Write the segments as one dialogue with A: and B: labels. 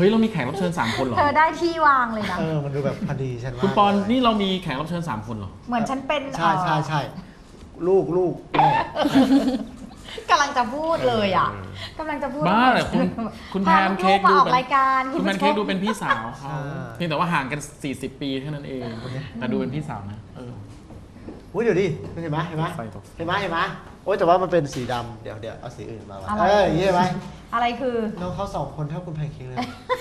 A: ฮ้ยเรามีแขกรับเชิญ3 คนเหรอ
B: เธอได้ที่วางเลยนะ
C: มันดูแบบพอดีฉันว่า
A: คุณปอนนี่เรามีแขกรับเชิญ3 คนเหรอ
B: เหมือนฉันเป็น
C: ใช่ลูกแม่
B: กำลังจะพูดเลยอ่ะกำลังจะพูด
A: บ้าเหรอคุณแพนเค้ก
B: มา
A: ดู
B: ออก
A: เป็น
B: รายการ
A: คุณแพนเค้กดูเป็นพี่สาวเขาเพียงแต่ว่าห่างกัน40 ปีเท่านั้นเองแต่ดูเป็นพี่สาวนะ
C: เดี๋ยวดิเห็นไหมโอ้ยแต่ว่ามันเป็นสีดำเดี๋ยวเอาสีอื่นมาอย่างนี้ใช่ไหม
B: อะไรคือ
C: น้องเขา2 คนเท่าคุณแพนเค้กเลย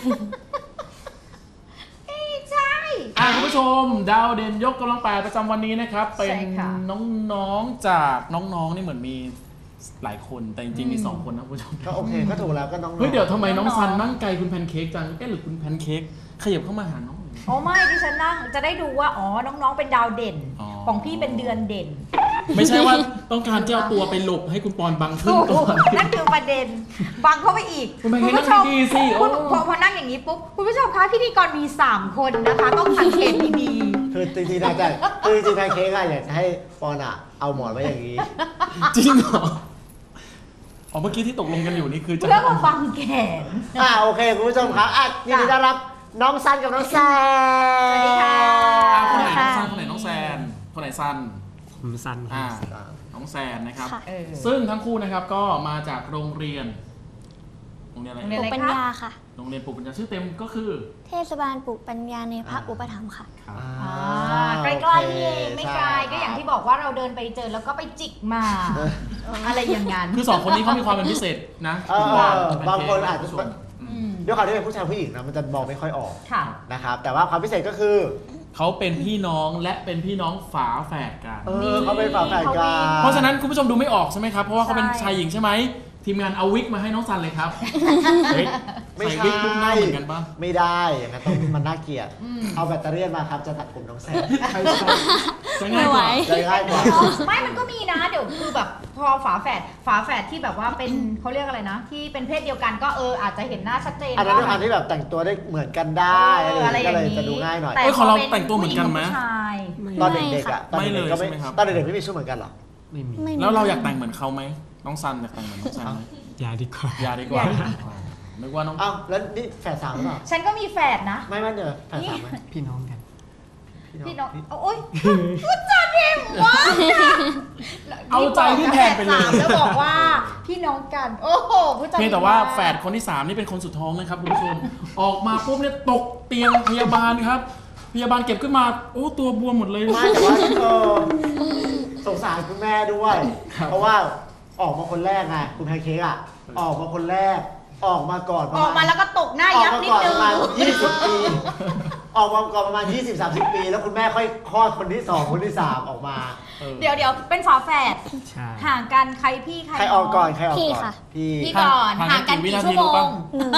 B: ใช่
A: คุณผู้ชมดาวเด่นยกกำลัง8ประจำวันนี้นะครับเป็นน้องๆจากน้องๆนี่เหมือนมีหลายคนแต่จริงๆมี2 คนนะคุณผู้ชม
C: ก็โอเคก็ถูกแล้วก็น้อง
A: เฮ้ยเดี๋ยวทำไมน้องซันนั่งไกลคุณแพนเค้กจังหรือคุณแพนเค้กขยับเข้ามาหาน้อง
B: อ๋อไม่ดิฉันนั่งจะได้ดูว่าอ๋อน้องๆเป็นดาวเด่นของพี่เป็นเดือนเด่น
A: ไม่ใช่ว่าต้องการจะเอาตัวไปหลบให้คุณปอนบังขึ้นก่อน
B: นั่นคือประเด็นบังเข้าไปอีก
A: คุณผู้ชมดีสิ
B: พอนั่งอย่างนี้ปุ๊บคุณผู้ชมคะพิธีกรมี3 คนนะคะต้องสังเกตดี
C: ๆคือจริงๆนะแต่คือจริงๆแพนเค้กอยากจะให้ปอนเอาหมอนไว้อย่างนี้
A: จริงเหรอเมื่อกี้ที่ตกลงกันอยู่นี่คือจะ
B: เพื่อมาบังแขน
C: โอเคคุณผู้ชมครับยินดีต้อนรับน้องซันกับน้องแซน
B: สวัสดีค่ะ
A: คนไหนน้องซันคนไหนน้องแซนคนไหนซัน
D: ผมซัน
A: น้องแซนนะครับซึ่งทั้งคู่นะครับก็มาจากโรงเรียนอะไร
E: ปลูกปัญญาค่ะ
A: โรงเรียนปลูกปัญญาชื่อเต็มก็คือ
E: เทศบาลปลูกปัญญาในพระอุปถัมภ์ค่ะ
B: ใกล้ๆนี่เองไม่ไกลก็อย่างที่บอกว่าเราเดินไปเจอแล้วก็ไปจิกมาอะไรอย่างนั้น
A: คือ2 คนนี้เขามีความเป็นพิเศษนะ
C: บางคนอาจจะด้วยความที่เป็นผู้ชายผู้หญิงนะมันจะมองไม่ค่อยออกนะครับแต่ว่าความพิเศษก็คือ
A: เขาเป็นพี่น้องและเป็นพี่น้องฝาแฝดกัน
C: เขาเป็นฝาแฝดกัน
A: เพราะฉะนั้นคุณผู้ชมดูไม่ออกใช่ไหมครับเพราะว่าเขาเป็นชายหญิงใช่ไหมทีมงานเอาวิกมาให้น้องซันเลยครับ
C: ไม่ใช่
A: วิกลูกหน้าเหมือนกันปะ
C: ไม่ได้อย่างนั้นต้องมันน่าเกลียดเอาแบตเตอรี่มาครับจะตัดผมน้องแซน
A: จะง่ายกว่า
B: ไม่มันก็มีนะเดี๋ยวคือแบบพอฝาแฝดที่แบบว่าเป็นเขาเรียกอะไรนะที่เป็นเพศเดียวกันก็อาจจะเห็นหน้าชัดเจน
C: อันนั้นด้วยความที่แบบแต่งตัวได้เหมือนกันได้อะไรก็เลยจะดูง่ายหน่อย
A: แต่ของเราแต่งตัวเหมือนกันไหม
C: ตอนเด็กๆตอนเด็กๆก็ไม่ตอนเด็กๆไม่มีชุดเหมือนกันหรอ
D: ไม่มี
A: แล้วเราอยากแต่งเหมือนเขาไหมน้องซันอยากแต่งเหมือนน้องซันไหม
D: อย่าดีกว่า
A: นึกว่าน้อง
C: แล้วนี่แฝด3หรือเปล่า
B: ฉันก็มีแฝดนะ
C: ไม่เดี๋ยวแฝด3ไหม
D: พี่น้องกัน
B: พี่น้องโอ๊ยพูดจาเด็กวะ
A: เอาใจพี่แพนไปเลย
B: แล้วบอกว่าพี่น้องกันโอ้โหพูดจา
A: เพียงแต่ว่าแฝดคนที่3นี่เป็นคนสุดท้องนะครับคุณผู้ชมออกมาปุ๊บเนี่ยตกเตียงพยาบาลครับพยาบาลเก็บขึ้นมาตัวบวมหมดเลย
C: ไม่แต่ว่าสงสารคุณแม่ด้วยเพราะว่าออกมาคนแรกไงคุณแพนเค้กออกมาคนแรกออกมาก่อน
B: ออกมาแล้วก็ตกหน้ายับนิดนึง
C: ประมาณ20 ปีออกมาก่อนประมาณ20-30 ปีแล้วคุณแม่ค่อยคลอดคนที่2คนที่3ออกมา
B: เดี๋ยวเป็นฝาแฝดห่างกันใครพี่ใคร
C: ออกก่อน
E: พี่ค่ะ
B: พี่ก่อนห่างกันกี่ชั่วโมง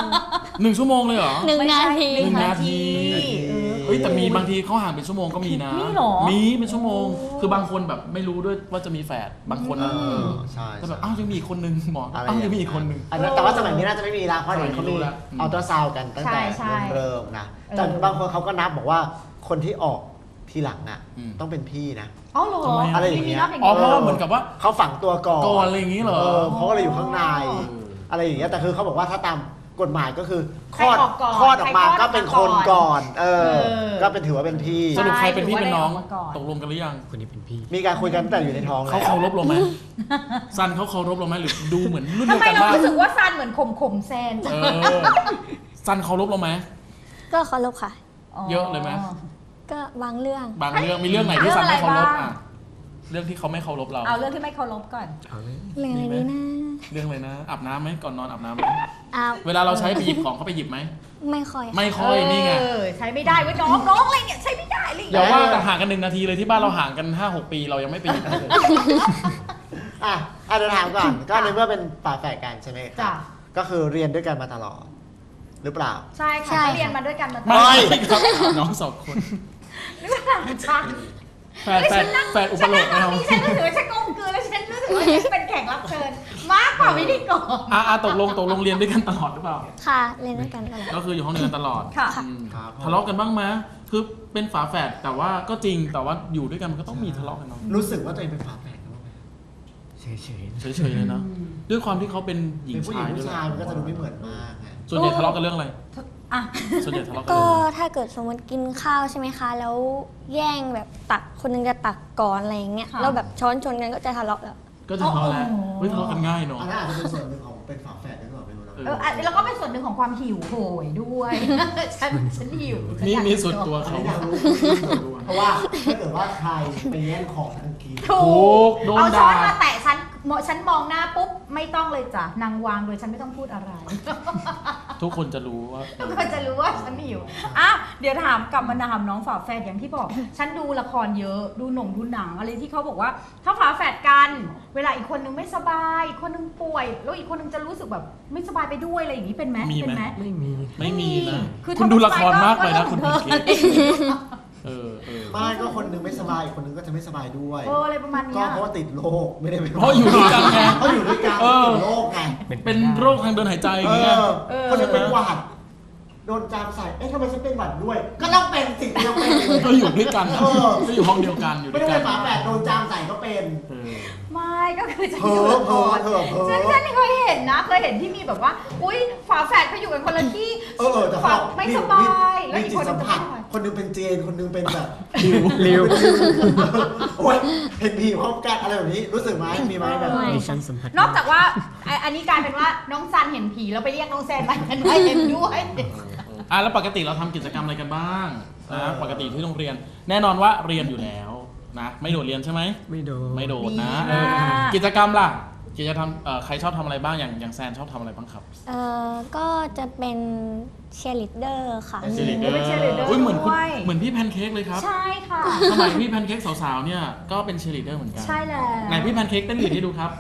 A: 1 ชั่วโมงเลยเหรอ
E: 1 นาที
A: 1 นาทีแต่มีบางทีเขาห่างเป็นชั่วโมงก็มีนะมีเป็นชั่วโมงคือบางคนแบบไม่รู้ด้วยว่าจะมีแฝดบางคน
C: ใช่
A: แต่แบบยังมีคนนึงหมอยังมีอีกคนนึง
C: แต่ว่าสมัยนี้น่าจะไม่มีแล้วเพราะเดี๋ยวเขามีอัลตราซาวด์กันตั้งแต่เริ่มนะแต่บางคนเขาก็นับบอกว่าคนที่ออกทีหลังต้องเป็นพี่นะ
B: เหรอ
C: อะไรอย่างเงี้ย
A: เพราะว่าเหมือนกับว่า
C: เขาฝังตัวก่อน
A: อะไรอย่างงี้เหรอ
C: เขาก็เลยอยู่ข้างในอะไรอย่างเงี้ยแต่คือเขาบอกว่าถ้าตามกฎหมายก็คือคลอดออกมาก็เป็นคนก่อนก็เป็นถือว่าเป็นพี่
A: สรุปใครเป็นพี่เป็นน้องตกลงกันหรือยัง
D: คนนี้เป็นพี่
C: มีการคุยกันตั้งแต่อยู่ในท้อง
A: เขาเคารพเราไหมซันเขาเคารพเราไหมหรือดูเหมือนรุ่นเดียวกัน
B: ทำไมเรารู้สึกว่าซันเหมือนข่มแซน
A: ซันเคารพเราไหม
E: ก็เคารพค่ะ
A: เยอะเลยไหม
E: ก็บางเรื่อง
A: มีเรื่องไหนที่ซันไม่เคารพเรื่องที่เขาไม่เคารพเรา
B: เอาเรื่องที่ไม่เคารพก่อน
E: เรื่องอะไรนี้นะ
A: เรื่องอะไรนะอาบน้ำไหมก่อนนอนอาบน้ำไหมเวลาเราใช้ไปหยิบของเขาไปหยิบไหม
E: ไม่ค่อย
A: นี่ไง
B: ใช้ไม่ได้เว้ยน้องอะไรเนี่ยใช้ไม่ได้เลย
A: อย่าว่าแต่ห่างกัน1 นาทีเลยที่บ้านเราห่างกัน 5-6 ปีเรายังไม่ไปหยิบเลย
C: เดี๋ยวถามก่อนก็ในเมื่อเป็นฝาแฝดกันใช่ไหมครับก็คือเรียนด้วยกันมาตลอดหรือเปล่า
B: ใช่ค่ะเรียนมาด้วยกันมาตลอด
A: ไม่ครับน้อง2 คน
B: หรือเปล่าฉัน
A: แฟนอุปโลก
B: เราฉันรู้สึกว่าฉันกลมกลืนแล้วฉันรู้สึกว่าฉันเป็นแขกรับเชิญมากกว่าพิธีกร
A: ตกลงเรียนด้วยกันตลอดหรือเปล่า
E: ค่ะเรียนด้วยกันตลอด
A: ก็คืออยู่ห้องเรียนตลอด
B: ค่ะ
A: ทะเลาะกันบ้างไหมคือเป็นฝาแฝดแต่ว่าก็จริงแต่ว่าอยู่ด้วยกันมันก็ต้องมีทะเลาะกันเนาะ
C: รู้สึกว่าตัวเองเป็นฝาแฝดบ้างไหม
D: เฉ
A: ยเลยนะด้วยความที่เขาเป็นหญิงชาย
C: ผู้ชายมันก็จะดูไม่เหมือนมาก
A: ส่วนใหญ่ทะเลาะกันเรื่องอะไร
B: อ่ะ
A: ส่วนใหญ่ทะเลาะกัน
E: ก็
A: เลย
E: ถ้าเกิดสมมติกินข้าวใช่ไหมคะ แล้วแย่งแบบตักคนนึงจะตักก่อนอะไรอย่างเงี้ย
B: ค่ะ
E: แล้วแบบช้อนชนกันก็จะทะเลาะแล้ว
A: ก็จะทะเลาะแล้วเฮ้ยทะเลาะกันง่ายเนาะ
C: อันนั้นอาจจะเป็นส่วนหนึ่งของเป็นฝาแฝดด้วยหรือเปล่าไม่รู้นะ
B: แล้วก็เป็นส่วนหนึ่งของความหิวโหยด้วย ฉันหิว
A: นี่ส่วนตัว
C: อัน
A: เขา
C: นี้อยากรู้เพราะว่าถ้าเกิดว่าใครไปแย่งของทันที
B: ถูก
A: โดน
B: เอาช้อน
A: ด่า
B: มาแตะฉันมองหน้าปุ๊บไม่ต้องเลยจ้ะนางวางโดยฉันไม่ต้องพูดอะไร
A: ทุกคนจะรู้ว่า
B: ทุกคนจะรู้ว่าฉันหิวอ่ะเดี๋ยวถามกลับมาถามน้องฝาแฝดอย่างที่บอก ฉันดูละครเยอะดูดูหนังอะไรที่เขาบอกว่า ถ้าฝาแฝดกัน เวลาอีกคนนึงไม่สบายอีกคนนึงป่วย แล้วอีกคนนึงจะรู้สึกแบบไม่สบายไปด้วยอะไรอย่างนี้เป็นไหม
A: มีไหม
B: เป็นไหม
D: ไม่มี
A: ไม่มีนะ
B: คือ
A: คุณดูละครมากไปนะ
B: ก็
A: คุณ
B: เธ
A: พิ
B: อ
A: งกี้เออ
C: ไม่ก็คนนึงไม่สบายอีกคนนึงก็จะไม่สบายด้วย
B: อะไรประมาณ
C: ก็
B: เนี้ย
C: เพราะว่าติดโรคไม่ได้เป็น
A: เพราะอยู่ด้วยกันไง
C: เขาอยู่ด้วยกัน
A: เออ
C: ติดโรคไง
A: เป็นโรคทางเดินหายใจอ
C: เอย่าง
A: เงี้ย
C: อคนนึงเป็นหวัดโดนจามใส่เอ๊ะทำไมฉันเป็นหวัดด้วย ก็ต้องเป็นสิ่งที่ต้องเป็นเลย
A: ก็อยู่ด้วยกันนะ
C: เออ
A: ก็อยู่ห้องเดียวกันอยู่
C: ไม่
A: ด้วย
C: ได้
A: กั
C: เป็น นฝาแฝดโดนจามใส่ก็เป็น
A: เออ
B: ไม่ก็คือจะ
C: เพ้
B: อยู่
C: อ
B: ละคร
C: เพ้อเพ้อ
B: ฉันเคยเห็นนะเคยเห็นที่มีแบบว่า อุ้ยฝาแฝดเขาอยู่กันคนละที่
C: แต่
B: ฝา
C: เขา
B: ไม่สบายแล้ว
C: มี
B: อีก
C: จิ
B: ค
C: ต
B: นนึ
C: สั
B: ง
C: ม
B: จะ
C: ผั
B: ไม่
C: ส
B: สบาย
C: คนนึงเป็นเจนคนนึงเป็นแบบ
D: ริว
C: โอ้ยเห็นผีพร้อมกันอะไรแบบนี้รู้สึกไหมมีไหมแบบ
E: ไม่
D: ดิฉันสัมผัส
B: นอกจากว่าอันนี้กลายเป็นว่าน้องซันเห็นผีแล้วไปเรียกน้องแซนมากันได้เห็นด้วย
A: แล้วปกติเราทำกิจกรรมอะไรกันบ้างนะปกติที่โรงเรียน แน่นอนว่าเรียนอยู่แล้วนะไม่โดดเรียนใช่ไหม
D: ไม่โดน
A: ไม่โดดนะ
B: ดีมาก
A: กิจกรรมล่ะกิจกรรมใครชอบทำอะไรบ้างอย่างแซนชอบทำอะไรบ้างครับ
E: ก็จะเป็นเชียร์ลีดเดอร์ค่ะ
A: เป็น cheerleader
B: เป็น cheerleader
A: อุ้ยเหมือนคุณ
B: ด้วย
A: เหมือนพี่แพนเค้กเลยครับ
B: ใช่ค่ะ
A: สมัยพี่แพนเค้กสาวๆเนี่ยก็เป็นเชียร์ลีดเดอร์เหมือนกัน
B: ใช่แล้ว
A: ไหนพี่แพนเค้กเต้นลีดให้ดูครับ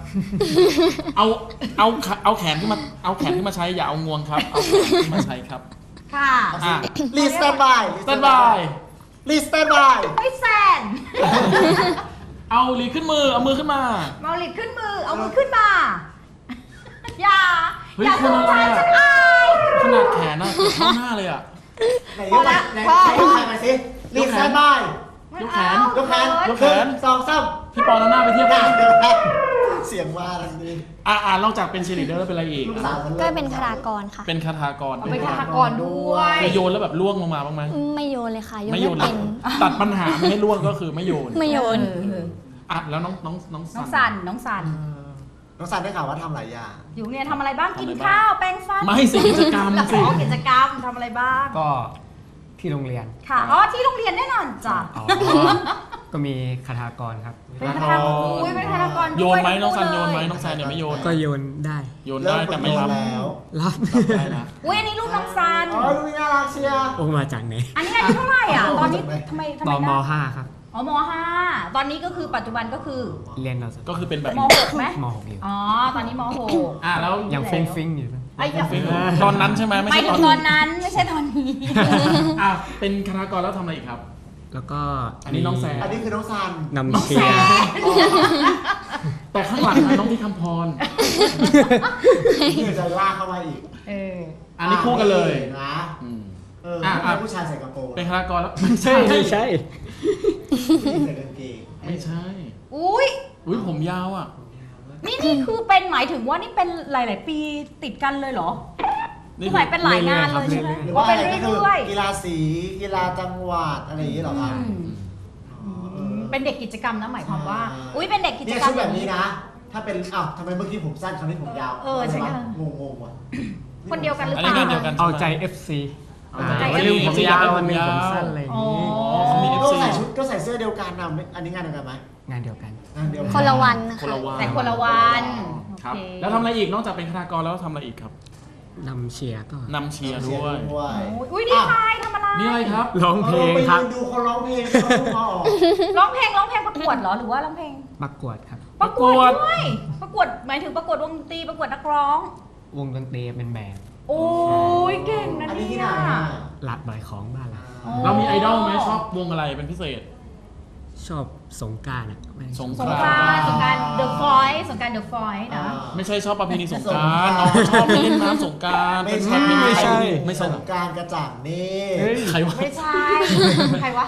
A: เอาแขนขึ้นมาใช้อย่าเอางวงครับเอาแขนขึ้นมาใช้ครับ
B: ค่ะ
A: อ่ะ
C: รีสแตนบาย
A: สแตนบาย
C: รีสแตนบาย
B: ไม่แซน
A: เอาลีขึ้นมือเอามือขึ้นมา
B: เมาลิดขึ้นมือเอามือขึ้นมา อย่า
A: เฮ้ย
B: อย่า
A: คน
B: สน
A: อะไร
B: ใจ
A: อะ
B: ฉันอาย
A: ขนาดแขนน่ะเกือบเท่าหน้าเลยอ่ะ
C: ไหนยกไหนไหนยกแขนมาสิรีสแตนบาย
A: ยกแขน
C: ยกแขน
A: ยกแขน
C: สองสาม
A: พี่ปอนเอาหน้าไปเทียบ
C: ห
A: กั
C: น้าน เดียวกันเสียงว่าอะไรนี่
A: นอกจากเป็นเชียร์ลีดเดอร์แล้วเป็นอะไรอีก
C: ลูกสาวมัน
E: ก็เป็นคารากรค่ะ
A: เป็นคาถากร
B: เอาไปคาถากรด้วย
A: เคยโยนแล้วแบบล่วงลงมาบ้างไหม
E: ไม่โยนเลยค่ะ โยน
A: ไม่
E: ไม่
A: โยนเล
E: เป็
A: ย
E: น
A: ตัดปัญหาไม่ให้ล่วงก็คือไม่โยน
E: ไม่โยน
A: แล้วน้อง
B: น้องสันน้องสัน
C: น้องสันได้ข่าวว่าทำหลายอย่าง
B: อยู่เนี่ยทำอะไรบ้าง
A: ทำ
B: กิน
A: อะไรบ้าง
B: ข้าวแป้งฟัน
A: ไม่สิกิจกรรม
B: แล้ว
A: สิ
B: ขอกิจกรรมทำอะไรบ้าง
D: ก็ที่โรงเรียน
B: ค่ะอ๋อที่โรงเรียนแน่นอนจ้ะ
D: ก็มีคาถากรครับ
B: เป็นคาถากรอุ้ยเป็นคาถากรด้วย
A: โยนไหมน้องสัน
B: ทั้
A: โยนไหม
B: คู่เลย
A: น้องแซนเนี่ยไม่โยน
D: ก็โยนได้
A: โยนได้แต่ไม่รับ
C: แล้ว
D: รับ
A: รับได้นะ
B: อุ้ยอันนี้รูปน้องซัน
C: อ๋อลูกนี่น่ารักเชียร์
D: โอ้มาจากไหน
B: อันนี้อายุเท่าไหร่อ่ะ ตอนนี้ทำไม
D: ตอนม
B: นะ
D: .5 ครับ
B: อ๋อม.5 ตอนนี้ก็คือปัจจุบันก็คือ
D: เรียนเราสัก
A: ก็คือเป็นแบบ
B: ม.6 ไหม
D: ม .6 อยู่
B: อ๋อ ตอนนี้ม
A: แล้ว
D: ยังฟิงฟิงอยู่นะ
B: ไอ้ย
A: ฟิงตอนนั้นใช่ไหมไม่
B: ไม่
A: ใช่
B: ถึ
A: ตอน
B: งต
A: นี้
B: อนนั้นไม่ใช่ตอนนี้
A: เป็นคาถากรแล้วทำอะไรอีกครับ
D: แล้วก็
A: อันนี้น้องแซ
C: อันนี้คือน้องซัน
D: นำเชียร์
A: แต่ข้างหลังนะน้องที่คำพร
C: นี่จะลากเข้ามาอีก
A: อันนี้คู่กันเลย
C: นะ
A: อืม
C: ทำไมผู้ชายใส่กระโปรง
A: เป็นคาถากรแล้วไม่ใช่
D: ไม่ใช่
C: ผู้หญิงใส่กางเกง
A: ไม่ใช่
B: อุ้ย
A: อุ้ยผมยาวอ่ะ
B: นี่คือเป็นหมายถึงว่านี่เป็นหลาย ๆ ปีติดกันเลยเหรอคือหมายเป็นหลายงานเลยใช่ไหม
C: หรือ
B: ว่า
C: ว่า
B: เป็น
C: อะไรก็คือ
B: เรื่อย
C: กีฬาสีกีฬาจังหวัดอะไรอย่างนี้เหรอ
B: ๆ
C: ครับ
B: เป็นเด็กกิจกรรมนะหมายความว่า อุ้ยเป็นเด็กกิจ
C: เนี่ย
B: กรร
C: ชุ
B: ม
C: ดแบบนี้นะ ถ้าเป็นทำไมเมื่อกี้ผมสั้นคราวนี้ผมยาว
B: ใช่ค่ะ
C: งงว่ะ
B: คนเดียวกันหรือ
A: อัน
B: เป
A: นี้
B: ล่า
A: ก็เดียวกัน
D: เอา
A: ใช่ไหม
D: ใจ FC
A: เอาใจ
D: วันหนึงผม
A: FC
D: ยาว
A: อยากให้
D: วันหนึง
A: ผม
D: ผม
A: ยาว
D: สั้นอะไรอย่าง
B: อ๋อ
D: นี้
A: เขามี
C: ก็
A: FC
C: ใส่ชุดก็ใส่เสื้อเดียวกันนะอันนี้งานเดียวกันไหม
D: งานเดียวกัน
C: งานเดียวกั
E: คนละวันนะ
A: คน
E: คะ
A: ละวัน
B: แต่คนละวัน
A: ครับ
B: โอเ
A: แล้วทำอะไรอีกนอกจากเป็นคาถากรแล้วทำอะไรอีกครับ
D: นำเชียร์ก็
A: นำเชียร์
C: เชีย
A: ด้วย
C: ด้วย
B: อุ้ยดีใจทำอะไร
A: นี่อะไรครับ
D: ร้องเพลง
C: ไป
D: ครับ
C: ยืนดูเขาร้องเพลงเขาพูดมาออก
B: ร้องเพลงประกวดเหรอหรือว่าร้องเพลง
D: ประกวดครับ
B: ประกวดด้วยประกวดหมายถึงประกวดวงดนตรีประกวดนักร้อง
D: วงดนตรีเป็นแบนด์
B: โอ้ยเก่งนะ
C: อันนี้ที่
B: เนี่
C: ไหน
B: ย
C: อ่ะ
D: หลัดบ่อยของบ้านเรา
A: เรามีไอดอลไหมชอบวงอะไรเป็นพิเศษ
D: ชอบสงกรานต์อ่ะไม่
A: สง
B: สงกรานต์The Voice สงกรานต์ The Voice นะ
A: ไม่ใช่ชอบประเพณีสงกรานต์น้องเขาชอบไปเล่นน้ำสงกรานต์
C: ไม่ใช่
A: ไม่ใช่ไม่
C: ส
A: ใช่
C: งกรารกระจ่างนี่
D: เฮ้ย
A: ใครวะ
B: ไม่ใช่ ใครวะ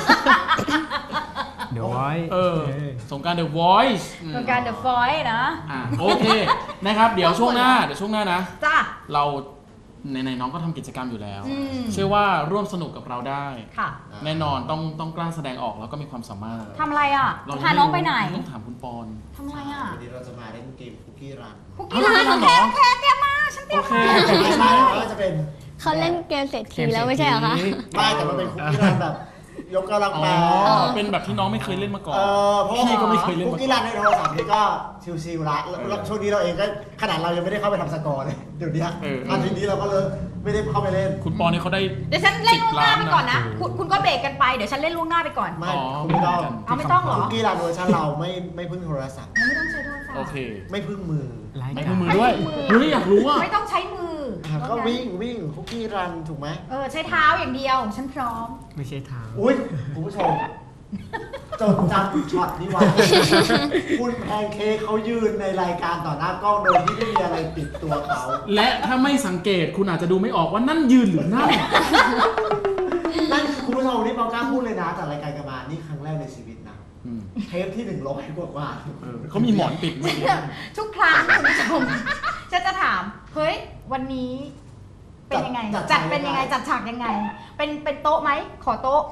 D: เดี๋ยวไว้
A: สงกรานต์ The Voice
B: สงกรานต์ The Voice นะ
A: โอเคนะครับเดี๋ยวช่วงหน้านะ
B: จ้า
A: เราในน้องก็ทำกิจกรรมอยู่แล้ว
B: อืม
A: เชื่อว่าร่วมสนุกกับเราได้
B: ค่ะ
A: แน่นอนต้องกล้าแสดงออกแล้วก็มีความสามารถ
B: ทำอะไรอ่ะ
A: เรา
B: พาน้องไปไหน
A: ต้องถามคุณปอน
B: ทำอะไรอ่ะ
C: วันนี้เราจะมาเล่นเกมคุกกี้รัน
B: คุกกี้ร้านโอเคโอเคเตรียมมาฉันเตรีย
A: โอ
B: ม
A: เค
B: มา
C: ไม่ใช่ก็จะเป็น
E: เขาเล่นเกมเศรษฐีแล้วไม่ใช่เหรอคะ
C: ไม่แต่มันเป็นคุกกี้รันแบบยกกำลัง
A: อ๋อ
C: แปล
A: เป็นแบบที่น้องไม่เคยเล่นมาก่อน
C: เพราะว่า
A: พี่ก็ไม่เคยเล่น
C: คุก
A: มา
C: กี้
A: ก่
C: รั
A: อน
C: ในโทรศัพท์นี่ก็ชิวๆละแล้วช่วงนี้เราเองก็ขนาดเรายังไม่ได้เข้าไปทำสกอร์เลยเดี๋ยวนี้อาทิตย์นี้เราก็เลยไม่ได้เข้าไปเล่น
A: คุณปอนเนี่ยเขาได้
B: เดี๋ยวฉันเล่นล่วงหน้าไปก่อนนะ
A: 10 ล้านนะ
B: คุณก็เบรกกันไป เดี๋ยวฉันเล่นล่วงหน้าไปก่อน
C: ไม่
A: อ๋อ
C: คุณไม่ต้อง
B: เอาไม่ต้องเหรอ
C: คุกกี้รันเวอร์ชันเราไม่พึ่งโทรศัพท์
B: ไม่ต้องใช้โทรศัพท์
A: โอเค
C: ไม่พึ่งมือ
D: ราย
A: ไม่
D: การ
A: มือด้วยเฮ้ยอยากรู้อ่ะ
B: ไม่ต้องใช้มือ
C: ก็วิ่งคุกกี้รันถูกไหม
B: ใช้เท้าอย่างเดียว ฉันพร้อม
D: ไม่ใช่ทาง
C: อุ้ยคุณผู้ชมจดจำช็อตนี้ไว้ คุณแพนเค้กเขายืนในรายการต่อหน้ากล้องโดยที่ไม่มีอะไรปิดตัวเขา
A: และถ้าไม่สังเกตคุณอาจจะดูไม่ออกว่านั่นยืนหรือนั่ง
C: นั่นคุณผู้ชมนี่เรากล้าพูดเลยนะจากรายการกันมานี่ครั้งแรกในชีวิตนะ
A: อืม
C: เทปที่100กว่า
A: เขามีหมอนปิดเมื่อกี้
B: ทุกครั้งคุณผู้ชมฉันจะถาม เฮ้ย วันนี้เป็นยังไง จัดเป็นยังไง จัดฉากยังไง เป็นโต๊ะไหม ขอโต๊ะ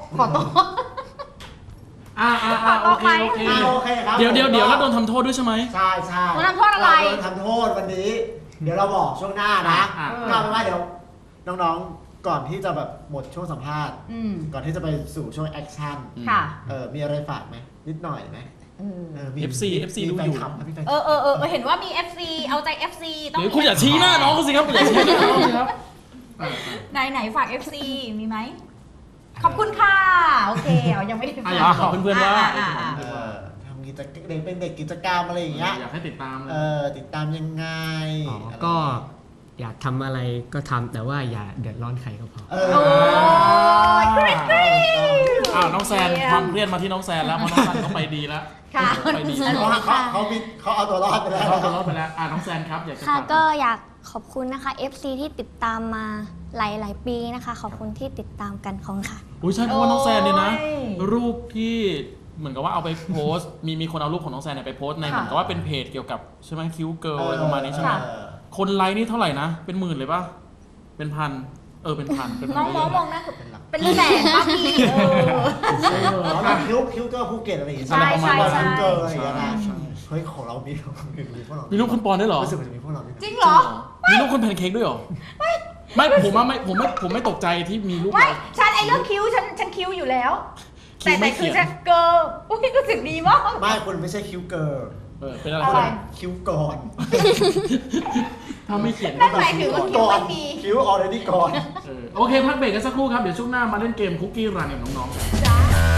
A: โอเคโอเค
C: โอเคครับ
A: เดี๋ยวแล้วโดนทำโทษด้วยใช่ไหม
C: ใช่ใช่
B: โดนทำโทษอะไร
C: โดนทำโทษวันนี้ เดี๋ยวเราบอกช่วงหน้านะ
A: อ่ะ
C: ก็เป็นว่าเดี๋ยวน้องๆก่อนที่จะแบบหมดช่วงสัมภาษณ์
B: อืม
C: ก่อนที่จะไปสู่ช่วงแอคชั่น
B: ค่ะ
C: มีอะไรฝากไหมนิดหน่อยไหมมี
A: FC
C: มี
A: ดู
C: แฟ
A: อน ยู่
C: คลับนะพี่แฟนค
B: เอ
C: ลับ
B: อเห็นว่ามี FC เอาใจ FC ต้อง
A: เดี๋ยวคุณอย่าชี้หน้าน้องเขาสิครับคุณอย่าชี้หน้าน้องเขาสิครับ
B: ไหนฝาก FC มีไหม ขอบคุณค่ะ โอเคเอายังไม่ได้
A: อ่ะอยากบอกเพื่อนๆว่า
C: ทำกิจกรรมเด็กเป็นเด็กกิจกรรมอะไรอย่างเงี้ย
A: อยากให้ติดตามเลย
C: ติดตามยังไง
D: อ๋อก็อยากทำอะไรก็ทำแต่ว่าอย่าเดือดร้อนใครก็พอ
C: เอ
B: โอ้ยกริ๊ดกริ๊ด
A: น้องแซนความเครียดมาที่น้องแซนแล้วเพราะน้องแซนเขาไปดีแล้ว
B: ค่ะ
A: ไปดี
C: เพราะว่าเขาเอาตัวรอดไปแล้ว
A: เขาตัวรอดไปแล้วน้องแซนครับอยากจะ
E: ค่ะ
A: ฝาก
E: ก็อยากขอบคุณนะคะ FC ที่ติดตามมาหลายปีนะคะ ขอบคุณที่ติดตามกันของค่ะ
A: อุ้ยใช่เพราะว่าน้องแซนเนี่ยนะ
B: โอ้ย
A: รูปที่เหมือนกับว่าเอาไปโพสต์มีคนเอารูปของน้องแซนเนี่ยไปโพสต์ในเหมือนกับว่าเป็นเพจเกี่ยวกับใช่ไหมคิวเกิร์ลอะไรประมาณนี้ใช่ไหมคนไลค์นี่เท่าไหร่นะเป็นหมื่นเลยป่ะเป็นพันเป็นพัน
B: น้องมองหน้า
C: เป็นหลัก
B: เป็นแสนป่ะพี่
C: คิวเกอร์ภูเก็ตอะไรอย่างเงี้ย
B: ใช่ใช่ใช่
C: คิวเกอร์อะไรอย่างเงี้ยนะเฮ้ยของเรามีพวกเรา
A: มีรูปคุณปอนด้วยเหรอ
C: รู้สึกว่าจะมีพวกเราด้วยนะ
B: จริงเหรอ
A: มีรูปคุณแพนเค้กด้วยเหรอไม่ผมไม่ตกใจที่มีรูป
B: ไม่
A: เรา
B: ฉันไอ้เรื่องคิ้วฉันคิ้วอยู่แล้ว
A: คิ้วไม่
B: แต่คือ
A: เขียน
B: ฉันเกิร์ลอุ้ยรู้สึกดีมาก
C: ไม่คุณไม่ใช่คิวเกอร์
A: เป็นอะไร
B: อะไร
C: คิวก่อน
A: ถ้าไม่เขียน
B: นั่นหมายถึงว่าคิ้ว
C: ก่อน
B: ไม่มี
C: คิวออเรดี้ก่อน
A: โอเคพักเบรกกันสักครู่ครับเดี๋ยวช่วงหน้ามาเล่นเกมคุกกี้รันกับน้องๆกัน
B: จ้า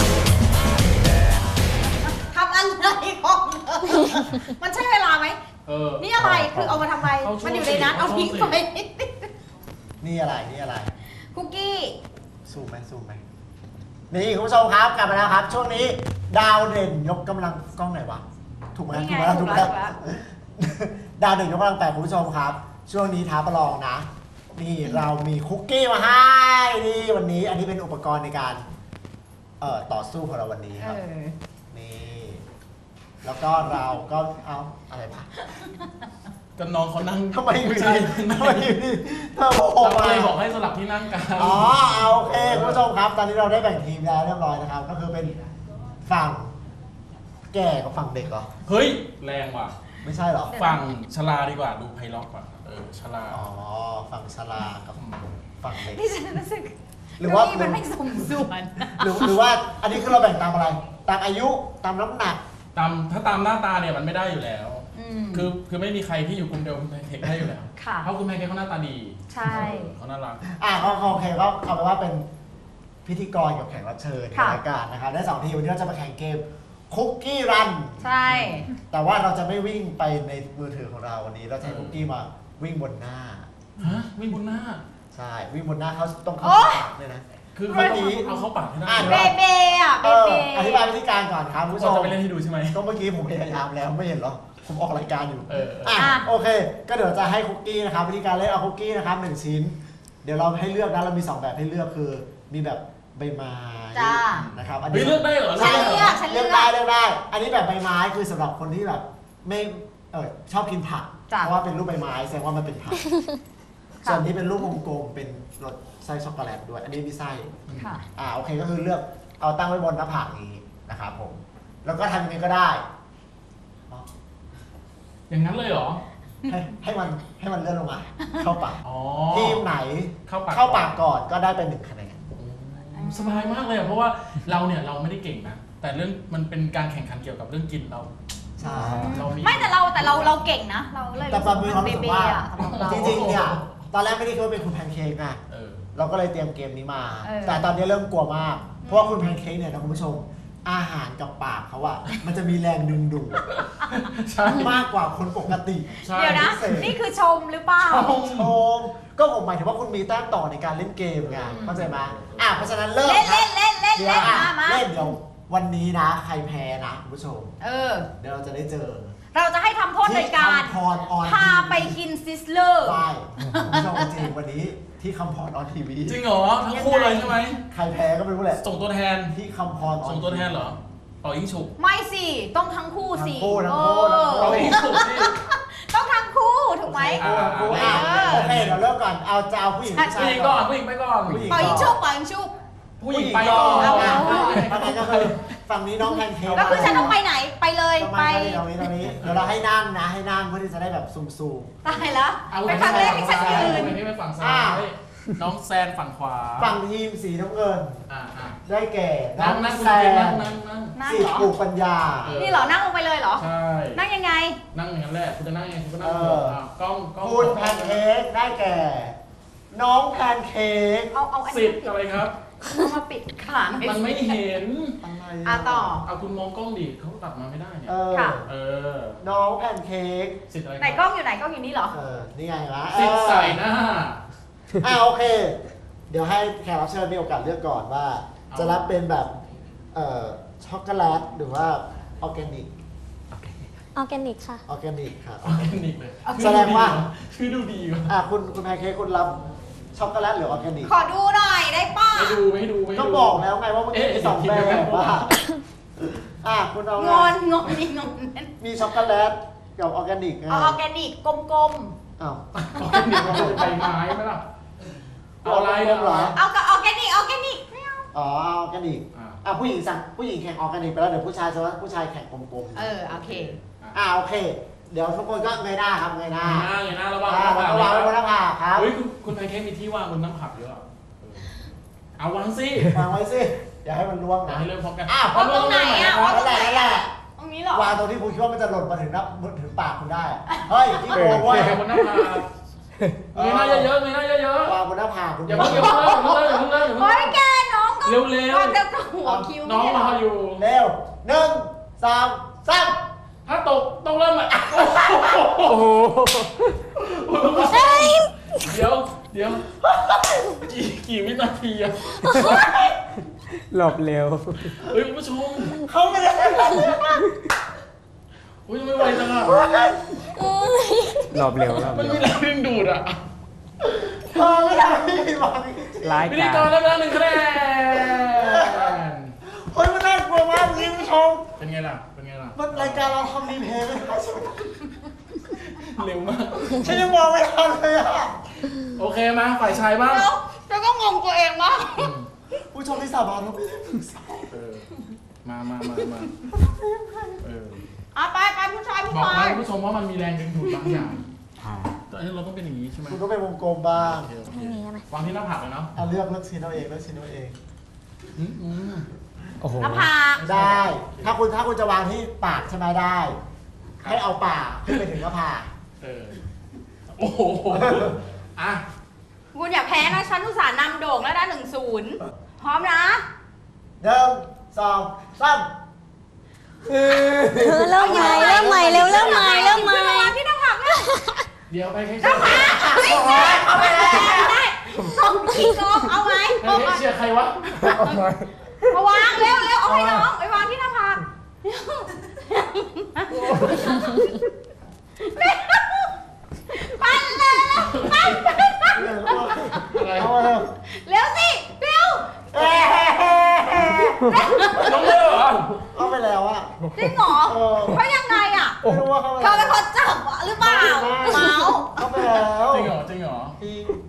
B: ทำอะไรของมันใช่เวลาไหม นี่อะไร คือเอามาทำไม มันอยู่ในนั้นเอาทิ้งไป
C: นี่อะไร
B: คุกกี้
C: ซูมไหมนี่คุณผู้ชมครับกลับมาแล้วครับ ช่วงนี้ดาวเด่นยกกำลังกล้องไหนวะถูกไหม
B: นี่ไง
C: ถูกไหม
B: ถูกแล้ว
C: ดาวเด่นยกกำลังแปดคุณผู้ชมครับ ช่วงนี้ท้าประลองนะ นี่เรามีคุกกี้มาให้นี่วันนี้อันนี้เป็นอุปกรณ์ในการต่อสู้ของเราวันนี้ครับนี่แล้วก็เราก็เอาอะไรปะ
A: ก็น้องเขานั่ง
C: ทำไมอยู่
A: ใช่
C: ดีทำไมอยู่ดีเธอบอก
A: เรา
C: มา
A: เลยบอกให้สลับที่นั่งกัน
C: อ๋อโอเคคุณผู้ชมครับ ตอนนี้เราได้แบ่งทีมแล้วเรียบร้อยนะครับ ก็คือเป็นฝั่งแก่กับฝั่งเด็กเหรอ
A: เฮ้ยแรงว่ะ
C: ไม่ใช่เหรอ
A: ฝั่งชลาดีกว่าดูไพเราะกว่าชลา
C: อ๋อฝั่งชรากับฝั่งเด็ก
B: นี่ฉันรู้สึก
C: หรือว่า
B: เก้อี้มันไม่สมส่วน
C: หรือว่าอันนี้คือเราแบ่งตามอะไรตามอายุตามน้ำหนัก
A: ถ้าตามหน้าตาเนี่ยมันไม่ได้อยู่แล้ว
B: อืม
A: คือไม่มีใครที่อยู่กลุ่มเดียวคุณแพนเค้กได้อยู่แล้ว
B: ค่ะ
A: เพราะคุณแพนเค้กเขาหน้าตาดี
B: ใช่
A: เขาน่ารัก
C: โอเคก็เอาไปนว่าเป็นพิธีกรกับแขกรับเชิญใน
B: ค่ะ
C: รายการนะครับได้2ทีมวันนี้เราจะมาแข่งเกมคุกกี้รัน
B: ใช่
C: แต่ว่าเราจะไม่วิ่งไปในมือถือของเราวันนี้เราจะให้คุกกี้มาวิ่งบนหน้า
A: ฮะวิ่งบนหน้า
C: ใช่วิ่งบนหน้าเขาต้องเข้าปากเลยนะ
A: คือ
C: เมื่อกี้
A: เอาเข้าปากให้ได้
B: เบเบอ่ะเบเบ
C: อธิบายวิธีการก่อนครับคุณผู้ช
A: เรา
C: ม
A: จะไปเล่นให้ดูใช่ไหม
C: ก็เมื่อกี้ผมพยายามแล้วไม่เห็นเหรอผมออกรายการอยู่
B: อ่ะ
C: โอเค ก็เดี๋ยวจะให้คุกกี้นะครับวิธีการเล่นเอาคุกกี้นะครับ1ชิ้น เดี๋ยวเราให้เลือกนะเรามี2แบบให้เลือกคือมีแบบใบไม้
B: จ้า
C: นะครับอัน
A: เฮ้
C: นี้
A: ยเลือกได้เหรอ
C: ใช่
B: ฉันเลือก
C: เลือกได้ อันนี้แบบใบไม้คือสำหรับคนที่แบบไม่ชอบกินผัก
B: จ้ะ
C: เพราะว่าเป็นรูปใบไม้แสดงว่ามันเป็นผักส่วนนี้เป็นรูปวงกลมเป็นรสไส้ช็อกโกแลตด้วย อันนี้มีไส้
B: ค่ะ
C: โอเคก็คือเลือกเอาตั้งไว้บนหน้าผากนี้นะครับผม แล้วก็ทำยังไงก็ได้
A: อย่างนั้นเลยเหรอ
C: ให้มันเลื่อนลงมา เข้าปาก
A: อ๋อ
C: ทีมไหน
A: เข้าปาก
C: เข้าปากก่อนก็ได้เป็น1 คะแนน
A: สบายมากเลยอะเพราะว่าเราเนี่ยเราไม่ได้เก่งนะ แต่เรื่องมันเป็นการแข่งขันเกี่ยวกับเรื่องกินเรา
C: ใช่
A: เรามี
B: ไม่แต่เราเก่งนะ เราเลย
C: แต่ปามีความรู้สึกว่า
B: อะสำหรับเรา
C: จริงๆเนี่ยตอนแรกไม่ได้คิดว่าเป็นคุณแพนเค้กไง
A: เออ
C: เราก็เลยเตรียมเกมนี้มา
B: เออ
C: แต่ตอนนี้เริ่มกลัวมาก เพราะว่าคุณแพนเค้กเนี่ยนะคุณผู้ชม อาหารกับปากเขาอะมันจะมีแรงดึงดูด
A: ใช่
C: มากกว่าคนปกติ
A: ใช่
B: เดี๋ยวนะ
C: พิเศษ
B: นี่คือชมหรือเปล่า
C: ชมก็ผมหมายถึงว่าคุณมีแต้มต่อในการเล่นเกมไงเข้าใจไหมเพราะฉะนั้นเริ่ม
B: เล่น
C: ครับ
B: เล่นเล่น
C: เดี๋ยว
B: เล่น
C: อ่ะ
B: มา
C: เล่นเดี๋ยววันนี้นะ ใครแพ้นะคุณผู้ชม
B: เออ
C: เดี๋ยวเราจะได้เจอ
B: เราจะให้ทำโทษโดยการ
C: ที่คำพรออน
B: พาไปกินซิสเลอร์
C: ได้คุณผู้ชมจริงวันนี้ที่คำพรออนทีวี
A: จริงเหรอทั้งคู่เลยใช่ไหม
C: ใครแพ้ก็ไม่รู้แหละ
A: ส่งตัวแทน
C: ที่คำพรออน
A: ส่งตัวแทนเหรอเป่ายิงฉุบ
B: ไม่สิ ต้องทั้งคู่สิ
C: ทั้งคู่
B: เออ
A: เป่ายิงฉุบที่
B: ต้องทั้งคู่ถูกไหม
A: อ่า
C: โอเคโอเคเดี๋ยวเริ่มก่อนเอาจะเอาผู้หญิงผู้
A: ผู้
C: ชา
A: ห
C: ย
A: ญิง
C: ก่
A: ก่
C: อ
A: อน นผู้หญิงไปก่อน
C: ผู้หญิง
B: ปล่อยยิงชุบปล่อยยิงชุบ
A: ผู้หญิงไปก่อน
C: เอา
B: เอา
C: ฝั่งนี้ก็คือฝั่งนี้น้องแพนเค้ก
B: แล้วคือฉันต้องไปไหน ไปเลย
C: ต้อง
B: ไป
C: มาตรงนี้เดี๋ยวเราให้นั่งนะให้นั่งเพื่อที่จะได้แบบซูม
B: ตายแล้ว
A: เอา
B: ไปครั้งแรกที่ฉันยืน
A: ไปนี่ไปฝั่งซ้า
C: อ่า
A: ยน้องแซนฝั่งขวา
C: ฝั่งทีมสีน้ำเงิน
A: อ่า
C: ได้แก่
A: นั่ง
C: น้
A: นั่
C: อง ง
A: คุณ
C: แซ
A: เก่งนั่
C: น
A: งนั่งนั่ง
B: นั่ง
C: สิ
B: เหรอ
C: ปลูกปัญญา
A: เออ
B: นี่เหรอ นั่งลงไปเลยเหรอ
A: ใช่
B: นั่งยังไง
A: นั่งอย่างนั้นแหละคุณจะนั่งยังไงคุณก็นั่ง
C: เออ
A: กล้อง
C: คุณแพนเค้กได้แก่ น้องแพนเค้ก
B: เอาอัน
A: สิ
B: นี้
A: ทธิ์อะไรครับ
B: เอามาปิดขาง
A: มันไม่เห็น
C: อะไร
B: อ่ะต่อ
A: เอาคุณมองกล้องดิเขาตัดมาไม่ได้เนี่ย
B: ค่ะ
A: เออ
C: น้องแพนเค้ก
A: สิทธิ์อะไร
B: ไหนกล้องอยู่ไหนกล้องอยู่นี่เหรอ
C: นี่ไงวะ
A: สิทธิ์ใส่หน้า
C: โอเค เดี๋ยวให้แขกรับเชิญมีโอกาสเลือกก่อนว่า
A: เอา
C: จะรับเป็นแบบช็อกโกแลตหรือว่าออร์แกนิก
E: ออร์แกนิกค่ะ
C: ออร์แกนิกครับ
A: ออร์แกนิกเลย
C: แสดงว่า
A: ชื่อดูดีว่ะ
C: คุณแพนเค้กคุณรับช็อกโกแลตหรือออร์แกนิก
B: ขอดูหน่อยได้ป่ะ
A: ไม่ดูไม่ดู
C: ก็บอกแล้วไงว่ามันมีสองแบบว่าคุณเอา
B: ง
C: ไง
B: อนงอนนี่งอน
C: มีช็อกโกแลตกับออร์แกนิกไง
B: เอาออร์แกนิกกลม
C: อ้าว
A: ออร์แกนิกมันเป็นใบไม้ไหมล่ะเอาอะไร
C: เหรอ
B: ๆ เอากับออร์แกนิกไม่เอา
C: อ๋อออร์แกนิกผู้หญิงสั่งผู้หญิงแข่งออร์แกนิกไปแล้วเดี๋ยวผู้ชายจะว่าผู้ชายแข่งกลมๆ
B: โอเค
C: โอเค เดี๋ยวทุกคนก็เงยหน้าครับเงยหน้า
A: เงยหน้าระวัง
C: แล้วก็วางไว้บนหน้าผากครับ
A: เฮ้ยคุณแพนเค้กมีที่วางบนน้ำผักเยอะเอาวางสิ
C: วางไว้สิอย่าให้มันล่วง
A: อยาก
C: นะ
A: ให้เริ่มพร้อมกัน
B: วางตรงไหนอ่ะวางตรงไหน
C: นั่นแหละ
B: ตรงนี้เหรอ
C: วางตรงที่คุณคิดว่ามันจะหล่นมาถึงปากคุณได้ เฮ้ยที่โกงเว้ย
A: บนน้ำผักเงยหน้าเยอะๆเงยหน้าเยอะ
C: วางบนหน้าผากคุณ
A: ๆอย่าเพิ่งเริ่ม
B: โอ้ยแกน้องก็
A: เร็ว
B: วางแต่หัวคิ้ว
A: ๆน้องรออยู่
C: เร็ว1 2 3
A: ถ้าตกต้องเริ่มใหม่
D: โอ้โห
A: เดี๋ยวกี่วินาทีอะ
D: หลบเร็ว
A: เฮ้ยคุณผู้ชม
C: เขาไม่ได้
A: อุ้ยไม่ไหวจังอะ
D: หลบเร็วหลบ
A: มัน
D: เร็ว
A: มีแรงดึงดูดอะ
C: ไม่ได้วาง
D: ร้าย
A: พิธี
D: กาก
A: ร
D: ร
A: ได้ไปแล้ว1 คะแนน
C: เฮ้ยมันน่ากลัวมากคุณผู้ชม
A: เป็นไงล่ะ
C: มันรายการเราทำรีเพลย์ไม่ได้ใช่ไหม
A: เร็วมาก
C: ฉันยังมองไม่ทันเลยอะ
A: โอเคมาฝ่ายชายบ้าง
B: แล้วก็งงตัวเองมาก
C: ผู้ชมที่สาบานเราไม่ได้ปรึกษา
A: เออมาเออ
B: ไปผู้ชาย
A: บอกนะคุณผู้ชมว่ามันมีแรงดึงดูดบางอย่างแต่เราต้องเป็นอย่างนี้ใช่ไหม
C: คุณก็เป็นวงกลมบ้าง
A: โอเค
E: ไม่มีไหม
A: วางที่หน้าผากเลยเนาะ
C: เลือกชิ้นเอาเองเลือกชิ้นเอาเอง
D: โอ้โห
B: หน้าผาก
C: ได้ ถ้าคุณจะวางที่ปากใช่ไหมได้ ให้เอาปากขึ้นไปถึงหน้าผาก
A: เออโอ้โหอ่ะ
B: คุณอย่าแพ้นะฉันอุตส่าห์นำโด่งแล้วนะ1-0 พร้อมนะ
C: 1 2 3
E: เริ่มใหม่เริ่มใหม่เร็วเริ่มใหม่เริ่มใหม่
B: วางที่หน้าผากนะ
A: เดี๋ยวไปแค่
B: หน้าผากเอาไปเลยได้ส่งขี้กองเอาไหม
A: เชียร์ใครวะ
B: มาวางเร็วเอาให้น้องไปวางที่หน้าผากปั่นเลยปั่น
A: อะไร
C: เอามาเร็ว
B: เร็วสิเร็ว
A: น้องเลือกเหรอ
C: เอาไปแล้วอะ
B: จริงเหรอเพราะยังไงอ่ะ
C: ไม่รู้ว่าเขา
B: เธอเป็นคนจับหรือเปล่าเมาส์
C: เอาไปแล้ว
A: จริงเหรอ
C: จริง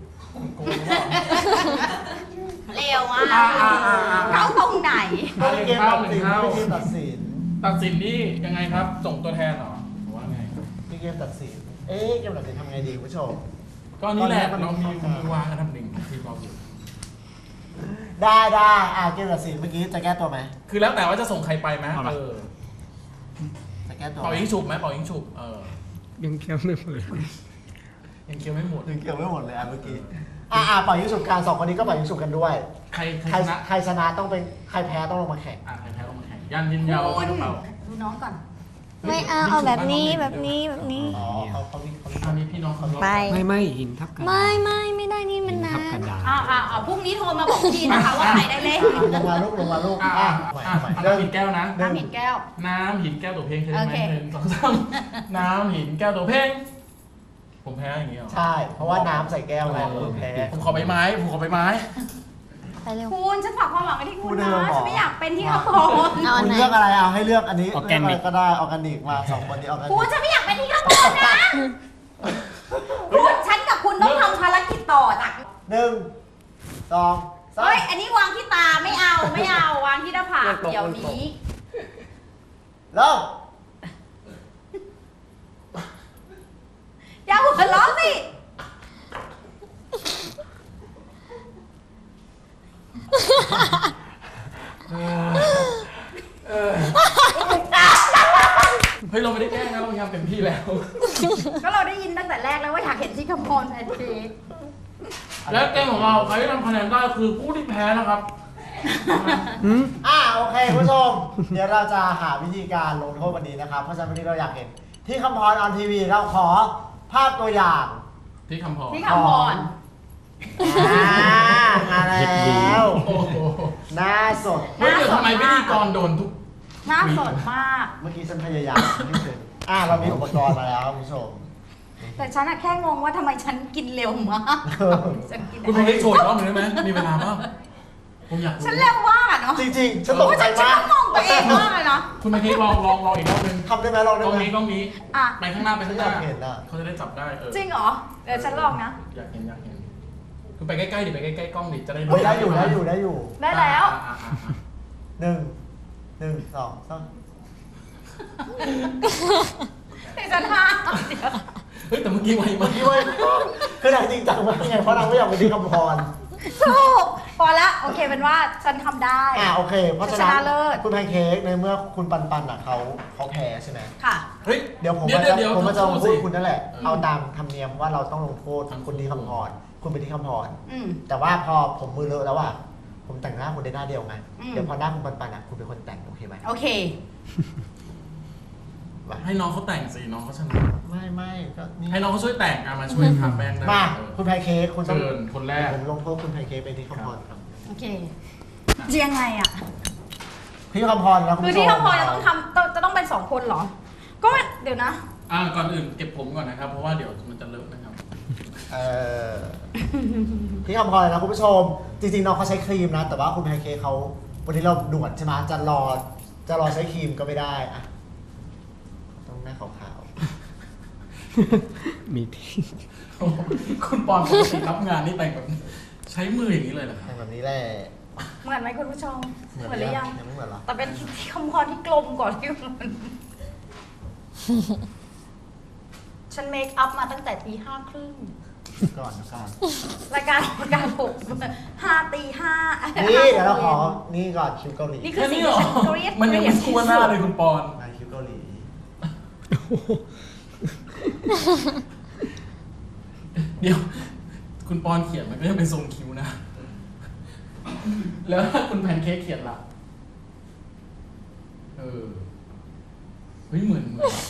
B: เข้าตรงไหน
C: ไม่ได้เกมตัดสินไม่ได้เกมตัดสิน
A: ตัดสินนี่ยังไงครับส่งตัวแทนเหรอหรือว่าไง
C: มีเกมตัดสินเกมตัดสินทำไงดีคุณผู้ชม
A: ก็นี่แหละ
C: ตอนนี้
A: เรา
C: มัน
A: มีวางกันทำหนึ่งทีมเราอยู่
C: ได้เกมตัดสินเมื่อกี้จะแก้ตัวไหม
A: คือแล้วแต่ว่าจะส่งใครไปไหมเออ
C: จะแก้ตัว
A: เป่ายิงฉุบไหมเป่ายิงฉุบ
D: ยังเคี้ยวไม่หมดเลย
A: ยังเคี้ยวไม่หมด
C: ถึงเกี่ยวไม่หมดเลยเมื่อกี้เป่ายิงฉุบกัน2 คนนี้ก็เป่ายิงฉุบกันด้วย
A: ใคร
C: ใครชนะต้องเป็นใครแพ้ต้องลงมาแข่ง
A: ใครแพ้ต้องมาแข่งยันยินยาว
B: คุณ
A: เป่า
B: ดูน้องก่อน
E: ไม่เอาแบบนี้แบบนี้
C: อ๋อเขามี
A: อันนี้พี่น้องเขา
E: ไป
D: ไม่หินทับกระดาษ
E: ไม่ได้นี่มัน
D: หิน
E: นะ
D: ทับกระดาษ
B: พรุ่งนี้โทรมาบอกพี่นะคะว่าใครได้เล่น
C: ลงมาลูก
A: น้ำหินแก้วนะ
B: น้ำหินแก้ว
A: น้ำหินแก้วตัวเพลงเคยไหม
B: โอเค
A: 1 2 3น้ำหินแก้วตัวเพลงผมแพ้อย่างงี้เหรอ
C: ใช่ เพราะว่าน้ำใส่แก้วไงแพ้
A: ผมขอใบไม้
E: ไปเร็ว
B: คุณฉันฝากความหวังไว้ที่คุณ
C: คุณเดิ
B: นะ
C: นมาบอก
B: ฉันไม่อยากเป็นที่เขาพร
E: เอา
C: คุณ
E: ไหน
C: เลือกอะไรเอาให้เลือกอันนี้
D: ออร์แกนิก
C: เลือะไรก็ได้ออร์แกนิกมา2 คนนี้ออร์แกนิ
B: คุณ
C: ก
B: ฉันไม่อยากเป็นที่เขาพรนะคุณฉันกับคุณต้องทำภารกิจต่อจาก
C: 1 2
B: เฮ้ย
C: 3
B: อันนี้วางที่ตาไม่เอาวางที่หน้าผากเดี๋ยวนี้
C: เริ่ม
B: อย่าหัวเราะสิ
A: เฮ้ยเราไม่ได้แกล้งนะเราพยายามเต็มที่แล้ว
B: ก็เราได้ยินตั้งแต่แรกแล้วว่าอยากเห็นที่คำพรแพนเค้ก
A: และเกมของเราใครที่ทำคะแนนได้คือผู้ที่แพ้นะครับ
C: โอเคคุณผู้ชม เดี๋ยวเราจะหาวิธีการลงโทษวันนี้นะครับ เพราะฉะนั้นวันนี้เราอยากเห็นที่คำพรออนทีวีเราขอภาพตัวอย่าง
A: ที่คำพอ
B: ที่คำพร
C: มาแล้ว
A: โอ้โห
C: หน้าสด
A: เฮ้ยเดี๋ยวทำไมพิธีกรโดนทุก
B: หน้าสดมาก
C: เมื่อกี้ฉันพยายามที่สุดเรามีอุปกรณ์มาแล้วคุณผู้ชม
B: แต่ฉันอะแค่งงว่าทำไมฉันกินเร็วมากฉันกิน
A: คุณพงษ์ได้โชว์อีกรอบหนึงได้ไหมมีเวลาเปล่าผมอยากรู้
B: ฉันเร็วมากอะเนาะ
C: จริงๆ ฉันตกใจ
B: ฉัน
C: มาก
B: ก็งงตัวเองมากเลยเนาะ
A: คุณมาเค้กลองอีกรอบหนึง
C: ทำได้ไหมลอง
A: ก
C: ได้
A: ล้อง
C: ไหม
A: นี้กล้องนี้
B: อ่ะ
A: ไปข้างหน้าไปข้างหน้า
C: อยากเห็นอะ
A: เขาจะได้จับได้
B: จริงเหรอ เดี๋ยวฉันลองนะ
A: อยากเห็นคุณไปใกล้ๆดิไปใกล้ๆกล้องดิจะได้
C: เฮ้ยได้อยู่
B: ได้แล้ว
C: 1 2 3
B: เดี๋ยวฉันห้าเดี๋ยว
A: เฮ้ยแต่เมื่อกี้ไวมาก
C: พี่เว้ยคือหนังจริงจังมากไงเพราะนางไม่อยากไปที่คำพร
B: ถูกพอละโอเคเป็นว่าฉันทำได้
C: โอเค เพราะฉะ
B: ช
C: นั้น
B: นะเลิศ
C: คุณแพนเค้กในเมื่อคุณปันเขาแพ้ใช่ไหม
B: ค่ะ
A: เฮ้ย
C: เดี๋ยวผม
A: เดี๋
C: จะ
A: ยว
C: ผมจะลงโทษ
A: สิ
C: คุณนั่นแหละ
A: เออ
C: เอาตามธรรมเนียมว่าเราต้องลงโทษ
A: ทั้งคู่
C: คุณที่คำพร คุณไปที่คำพร
B: อืม
C: แต่ว่าพอผมมือเลอะแล้วผมแต่งหน้าคุณได้หน้าเดียวไง
B: อืม
C: เดี๋ยวพอหน้าคุณปันคุณเป็นคนแต่งโอเคไหม
B: โอเค
A: ให้น้องเขาแต่งสิน้องเขาชนะ
C: ไม่ก็นี่
A: ให้น้องเขาช่วยแต่งมาช่วยทาแป้งได้
C: มา
A: เออ
C: คุณแพนเค้กคุณต้อง
A: เชิญคนแรก
C: ผมลงโทษคุณแพนเค้กไปที่คำพรครับ
B: โอเคจะยังไงอะ
C: ที่คำพรนะคุณ
B: คือ
C: ผู้ชม
B: ที่คำพรจะต้องเป็น2 คนเหรอ ก็เดี๋ยวนะ
A: ก่อนอื่นเก็บผมก่อนนะครับ เพราะว่าเดี๋ยวมันจะเลอะนะครับ
C: ที่คำพรนะคุณผู้ชม จริงๆน้องเขาใช้ครีมนะ แต่ว่าคุณแพนเค้กเขาวันนี้เราด่วนใช่ไหมจะรอใช้ครีมก็ไม่ได้อะต้องหน้าขาว
D: มีที่
A: คุณปอนปกติรับงานนี่แต่งแบบใช้มืออย่างนี้เลยเหรอ
C: ๆ
A: ครับ
C: แต่แบบนี้แหละ
B: เหมือนไหมคุณผู้ชม เหมือนหรือยัง
C: ยังไม่เหมือนเหรอ
B: แต่เป็นที่คำพรที่กลมกว่าที่มันฉันเมคอัพมาตั้งแต่ตี 5:30
C: ก่อน
B: รายการปลุก5 ตี 5
C: นี่เดี๋ยวเราขอนี่ก่อนคิวเกาหลี
B: นี่คือ
A: แค่
B: สิ่ง
A: นี้เหร
B: ที่
A: อ
B: ฉันเกลียด
A: มันยังไม่ทั่วหน้าเลยคุณปอน
C: มาคิวเกาหลี
A: เดี๋ยว คุณปอนเขียนมันก็ยังเป็นทรงคิ้วนะ แล้วถ้าคุณแพนเค้กเขียนล่ะ เฮ้ยเหมือน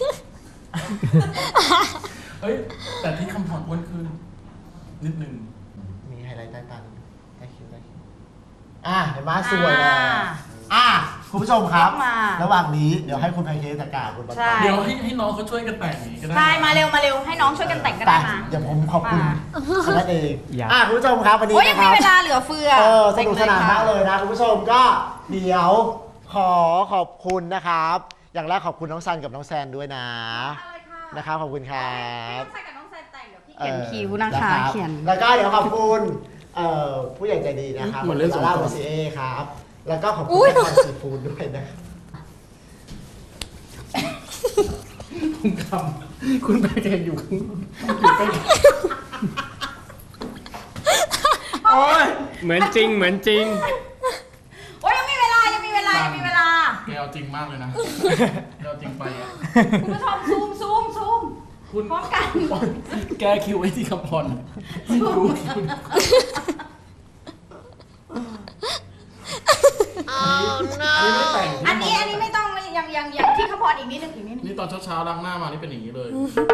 A: เฮ้ยแต่ที่คำพรอ้วนขึ้นนิดนึง
C: มีไฮไลท์ใต้ตาได้คิวเห็นไหมสวยเลยคุณผู้ชมครับ ระหว่างนี้เดี๋ยวให้คุณแพนเค้กจัดการคุณปัน
A: เดี๋ยวให้น้องเขาช่วยกันแต่งอย่างนี้ก็ได้
B: ใช่มาเร็วให้น้องช่วยกันแต่งก็ได้มา
C: เดี๋ยวผมขอบคุณ
B: มา
C: คณะเองคุณผู้ชมครับวันนี้
B: โอ้ยยั
C: นะ
B: ง
C: ค
B: มี
C: รับ
B: เวลาเหลือเฟือ
C: สนุกสนานมากเลยนะคุณผู้ชมก็เดี๋ยวขอบคุณนะครับ อย่างแรกขอบคุณน้องซันกับน้องแซนด้วยนะนะครับขอบคุณครับ
B: ใส่กับน้องแซนแต่งเดี๋ยวพี่เขียนคิ้วนะคะ
C: รับ
B: เขียน
C: แล้วก็เดี๋ยวขอบคุณผู้ใหญ่ใจดีนะครับ
A: เหมือนเล่นสงกรานต์
C: ลาโบซีเอครับ แล้วก็ขอบคุณนครซีฟู้ดด้วยนะ
A: คุณคำคุณไปเห็นอยู่ข้างอยู่ใกล้โอ้ย
D: เหมือนจริงเหมือนจริง
B: โอ้ยยังมีเวลายังมีเวลายังมีเวลา
A: แกเอาจริงมากเลยนะแกเอาจริงไปอ่ะ
B: คุณผู้ชมซูม
A: คุณ
B: พร้อมกัน
A: แกคิวไอ้ที่คำพรไม่ดูคุณอันนี้ไม่แต่ง
B: อันนี้ไม่ต้องยังที่เขาพออีกนิดนึงอีกนิดนึง
A: นี่ตอนเช้าๆล้างหน้ามานี่เป็นอย่างนี้เลย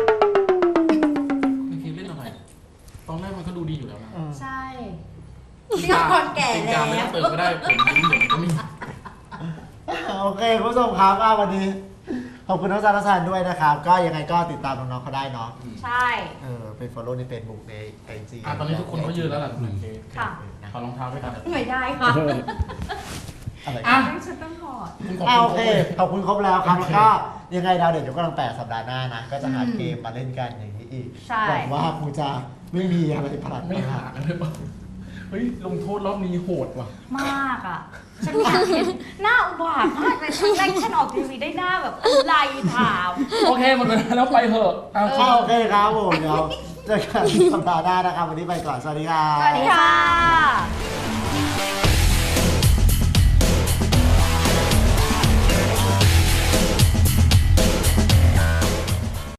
A: ไม่คิดเล่นอะไรตอนแรกมันก็ดูดีอยู่แล้วนะ
B: ใช่ที่เขาพอแก่
A: ติด
B: แล้
A: กาว ไม่ต้องเติมก็ได้ผมยิ้มเดี๋ยวมันก็มี
C: โอเคคุณผู้ชมครับวันนี้ขอบคุณน้องซาร์ซันด้วยนะครับ ก็ยังไงก็ติดตามน้องๆเขาได้เนาะ
B: ใช่
C: ไป follow ใน Facebook ใน IG
A: ตอนนี้ทุกคนเขายืนแล้วหลังจากนี้
B: ค่ะ
A: ขอรองเท้าด้วยกัน
B: เหนื่อยได้ค่ะ
C: อะไร
A: อ่ะ
B: ฉันต้องถอด
A: คุณขอบ
C: โอ
A: คุณ
C: เค ขอบคุณครบแล้วครับ แล้วก็ยังไงดาวเด่นยกกำลัง8สัปดาห์หน้านะ ก็จะหาเกมมาเล่นกันอย่างนี้อีก
B: ใช่
C: หวังว่าครูจะไม่มีอะไรพลัด
A: ไม่หากันเลยป่ะเฮ้ยลงโทษรอบนี้โหดว่ะ
B: มากอ่ะ ฉันอยากเห็นหน้าอุบาทมากเลยครั้งแรกที่ฉันออกทีวีได้หน้าแบบไหลถาม
A: โอเคหมดเวลาแล้วไปเถอะเอา
C: โอเคครับผมเดี๋ยวเจอกันสัปดาห์หน้านะครับ วันนี้ไปก่อน สวัสดีครับ
B: สวัสดีค่ะ